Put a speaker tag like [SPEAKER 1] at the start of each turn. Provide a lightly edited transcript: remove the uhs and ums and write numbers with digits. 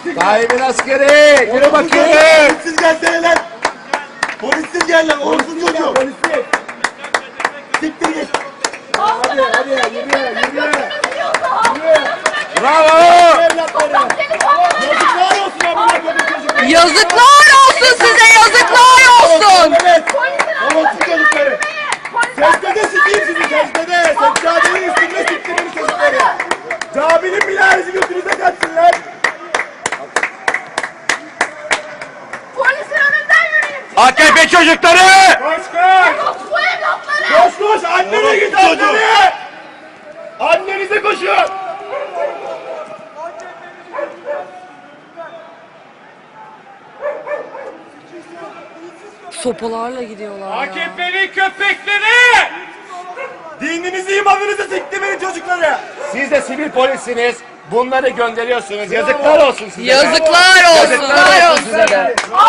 [SPEAKER 1] Tayyip'in askeri. Yürü bakayım.
[SPEAKER 2] Polissiz gelsene lan. Polissiz gel lan. Orsun çocuğu. Siktir git.
[SPEAKER 3] Hadi yürü.
[SPEAKER 1] Bravo.
[SPEAKER 2] Yazıklar olsun amına koyduğum çocuklar.
[SPEAKER 4] Yazıklar olsun size, yazıklar olsun.
[SPEAKER 2] Evet. Orsun çocukları. Secdede sikeyim sizi secdede. Seccadenin üstünde siktirin çocukları. Caminin minaresi götünüze kaçsın lan.
[SPEAKER 3] Polisin önünden yürüyün.
[SPEAKER 1] AKP çocukları.
[SPEAKER 2] Koş koş.
[SPEAKER 3] Yok bu evlatları.
[SPEAKER 2] Koş koş. Annene git annene. Annenize koşun.
[SPEAKER 4] Sopalarla gidiyorlar ya.
[SPEAKER 2] AKP'li köpekleri! Dininizi imanınızı siktirin çocukları!
[SPEAKER 1] Siz de sivil polissiniz. Bunları gönderiyorsunuz. Yazıklar olsun size.
[SPEAKER 4] Yazıklar olsun.
[SPEAKER 1] Yazıklar olsun size de.